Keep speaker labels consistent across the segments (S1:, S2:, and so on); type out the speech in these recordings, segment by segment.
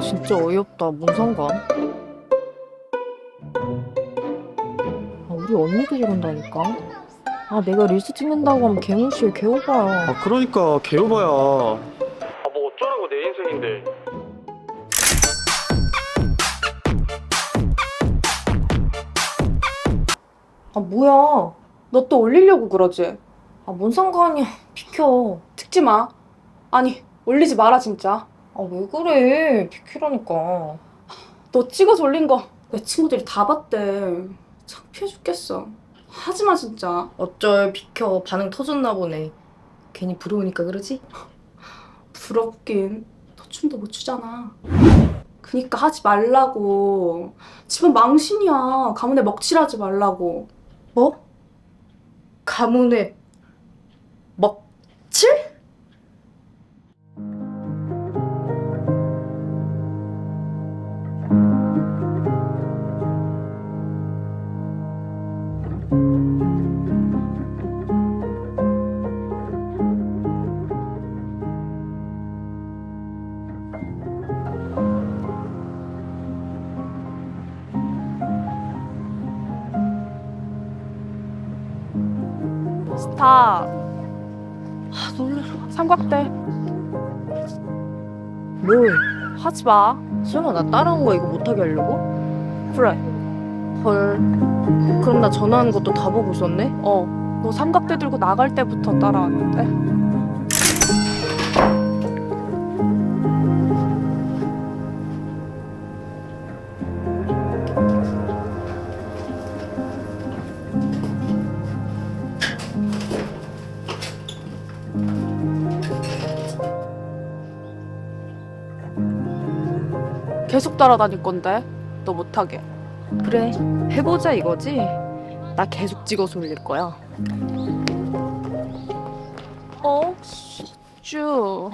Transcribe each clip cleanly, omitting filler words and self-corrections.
S1: 진짜 어이없다. 뭔 상관? 우리 언니도 저런다니까. 내가 릴스 찍는다고 하면 개무시해. 개오바야.
S2: 그러니까 개오바야. 뭐 어쩌라고 내 인생인데.
S3: 뭐야. 너 또 올리려고 그러지?
S1: 뭔 상관이야. 비켜.
S3: 찍지 마. 아니, 올리지 마라, 진짜.
S1: 왜 그래. 비키라니까.
S3: 너 찍어서 올린 거 내 친구들이 다 봤대. 창피해 죽겠어. 하지 마, 진짜.
S1: 어쩔. 비켜. 반응 터졌나 보네. 괜히 부러우니까 그러지?
S3: 부럽긴. 너 춤도 못 추잖아. 그니까 하지 말라고. 집은 망신이야. 가문에 먹칠하지 말라고.
S1: 뭐? 가문의 먹칠?
S3: 스타.
S1: 놀래라.
S3: 삼각대.
S1: 뭘?
S3: 하지 마.
S1: 설마 나 따라온 거 이거 못하게 하려고?
S3: 그래.
S1: 헐. 그럼 나 전화하는 것도 다 보고 있었네?
S3: 너 삼각대 들고 나갈 때부터 따라왔는데. 계속 따라다닐 건데. 너 못하게.
S1: 그래. 해보자 이거지? 나 계속 찍어서 올릴 거야.
S3: 쭉.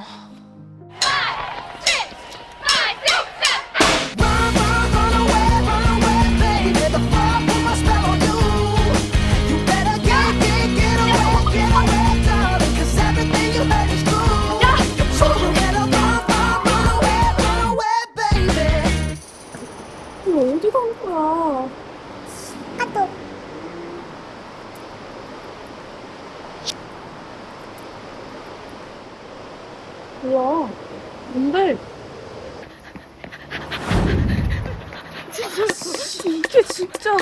S3: 어디 간 거야? 뭐야? 뭔데? 이게 진짜.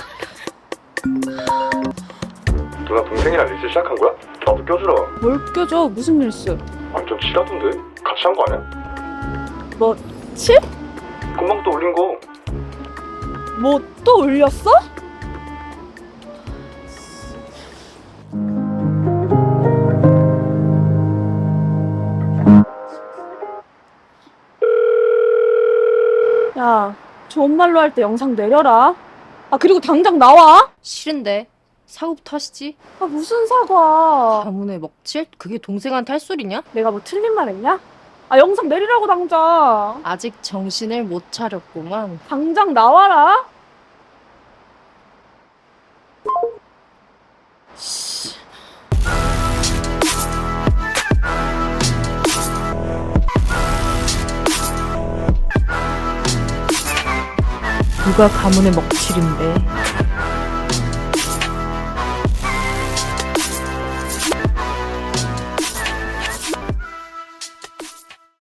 S2: 누나 동생이랑 릴스 시작한 거야? 나도 껴주라.
S3: 뭘 껴줘? 무슨 릴스?
S2: 완전 치라던데? 같이 한 거 아니야?
S3: 뭐, 칠?
S2: 금방 또 올린 거.
S3: 뭐 또 올렸어? 야, 좋은 말로 할 때 영상 내려라. 그리고 당장 나와.
S1: 싫은데. 사고부터 하시지.
S3: 무슨 사과.
S1: 가문의 먹칠? 그게 동생한테 할 소리냐?
S3: 내가 뭐 틀린 말 했냐? 영상 내리라고 당장.
S1: 아직 정신을 못 차렸구만.
S3: 당장 나와라.
S1: 누가 가문의 먹칠인데.